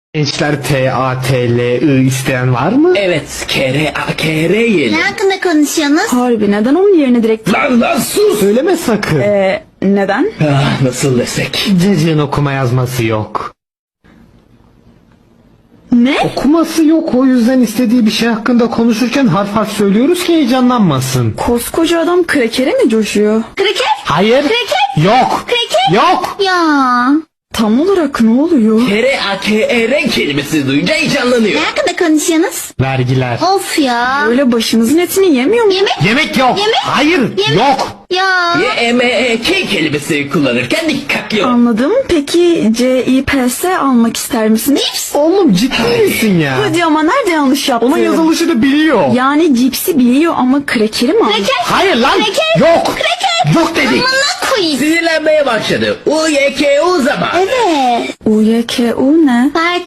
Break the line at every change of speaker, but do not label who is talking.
Gençler T-A-T-L-I isteyen var mı?
Evet, kere yiyelim.
Ne hakkında konuşuyorsunuz?
Harbi neden onun yerine direkt...
Lan sus!
Söyleme sakın.
Neden?
Ah, nasıl desek?
Cacığın okuma yazması yok.
Ne?
Okuması yok, o yüzden istediği bir şey hakkında konuşurken harf harf söylüyoruz ki heyecanlanmasın.
Koskoca adam krekere mi coşuyor?
Kraker?
Hayır.
Kreket?
Yok.
Kreket?
Yok.
Ya.
Tam olarak ne oluyor?
Kere kelimesi duyunca heyecanlanıyor.
Ne hakkında konuşuyorsunuz?
Vergiler.
Of ya.
Öyle başınızın etini yemiyor mu?
Yemek?
Yemek yok.
Yemek?
Hayır.
Yemek?
Yok.
Ya.
Y-M-E-K kelimesi kullanırken dikkatli ol.
Anladım. Peki C-I-P-S almak ister misiniz?
Oğlum ciddi misin ya?
Hadi ama nerede yanlış yaptım?
Onun yazılışını biliyor.
Yani cipsi biliyor ama krekeri mi aldı?
Kraker?
Hayır lan.
Kreket?
Yok. Yok dedik.
Amına koyayım.
Sinirlenmeye başladı. U-Y-K-U zaman.
Evet.
U-Y-K-U ne?
Fark